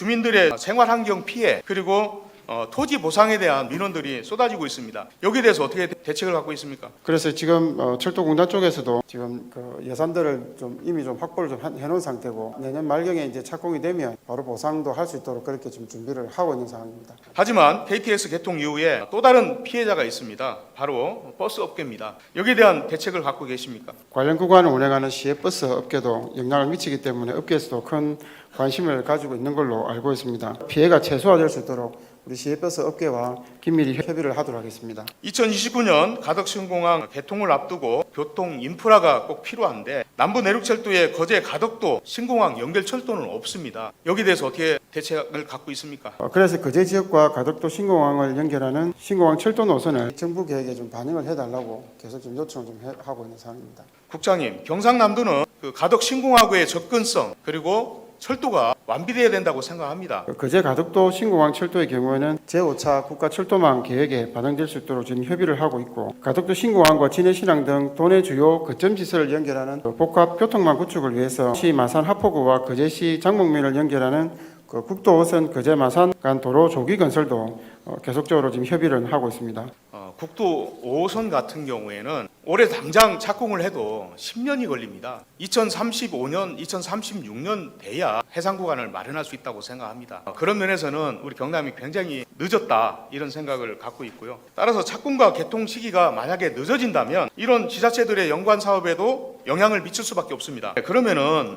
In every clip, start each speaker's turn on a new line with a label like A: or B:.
A: 주민들의 생활환경 피해 그리고 토지 보상에 대한 민원들이 쏟아지고 있습니다. 여기에 대해서 어떻게 대책을 갖고 있습니까?
B: 그래서 지금 철도공단 쪽에서도 지금 그 예산들을 이미 확보를 해놓은 상태고 내년 말경에 이제 착공이 되면 바로 보상도 할 수 있도록 그렇게 좀 준비를 하고 있는 상황입니다.
A: 하지만 KTX 개통 이후에 또 다른 피해자가 있습니다. 바로 버스 업계입니다. 여기에 대한 대책을 갖고 계십니까?
B: 관련 구간을 운행하는 시외버스 업계도 영향을 미치기 때문에 업계에서도 큰 관심을 가지고 있는 걸로 알고 있습니다. 피해가 최소화될 수 있도록 우리 시외버스 업계와 긴밀히 협의를 하도록 하겠습니다.
A: 2029년 가덕신공항 개통을 앞두고 교통 인프라가 꼭 필요한데 남부 내륙철도의 거제 가덕도 신공항 연결 철도는 없습니다. 여기에 대해서 어떻게 대책을 갖고 있습니까?
B: 그래서 거제 지역과 가덕도 신공항을 연결하는 신공항 철도 노선을 정부 계획에 좀 반영을 해달라고 계속 좀 요청을 하고 있는 상황입니다.
A: 국장님, 경상남도는 그 가덕 신공항의 접근성 그리고 철도가 완비돼야 된다고 생각합니다.
B: 거제 가덕도 신공항 철도의 경우에는 제5차 국가철도망 계획에 반영될 수 있도록 지금 협의를 하고 있고 가덕도 신공항과 진해신항 등 도내 주요 거점 시설을 연결하는 복합 교통망 구축을 위해서 시 마산 하포구와 거제시 장목면을 연결하는 그 국도 5선 거제 마산 간 도로 조기 건설도 계속적으로 지금 협의를 하고 있습니다.
A: 국도 5호선 같은 경우에는 올해 당장 착공을 해도 10년이 걸립니다. 2035년, 2036년 돼야 해상 구간을 마련할 수 있다고 생각합니다. 그런 면에서는 우리 경남이 굉장히 늦었다 이런 생각을 갖고 있고요. 따라서 착공과 개통 시기가 만약에 늦어진다면 이런 지자체들의 연관 사업에도 영향을 미칠 수밖에 없습니다. 그러면은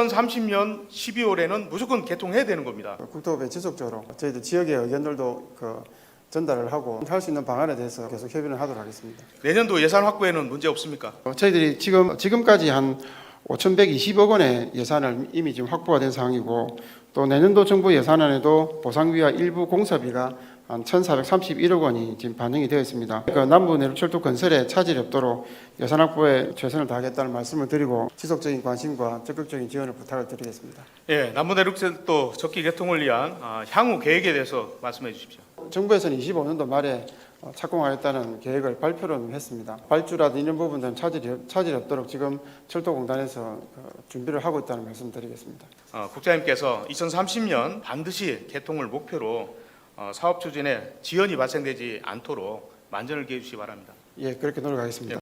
A: 2030년 12월에는 무조건 개통해야 되는 겁니다.
B: 국토부에 지속적으로 저희들 지역의 의견들도 전달을 하고 할 수 있는 방안에 대해서 계속 협의를 하도록 하겠습니다.
A: 내년도 예산 확보에는 문제 없습니까?
B: 저희들이 지금까지 한 5,120억 원의 예산을 이미 지금 확보가 된 상황이고 또 내년도 정부 예산안에도 보상비와 일부 공사비가 한 1,431억 원이 지금 반영이 되어 있습니다. 남부 내륙철도 건설에 차질이 없도록 예산 확보에 최선을 다하겠다는 말씀을 드리고 지속적인 관심과 적극적인 지원을 부탁을 드리겠습니다.
A: 예, 남부 내륙철도 적기 개통을 위한 향후 계획에 대해서 말씀해 주십시오.
B: 정부에서는 25년도 말에 착공하겠다는 계획을 발표를 했습니다. 발주라든 이런 부분들은 차질이 없도록 지금 철도공단에서 준비를 하고 있다는 말씀 드리겠습니다.
A: 국장님께서 2030년 반드시 개통을 목표로 사업 추진에 지연이 발생되지 않도록 만전을 기해 주시기 바랍니다.
B: 예, 그렇게 노력하겠습니다.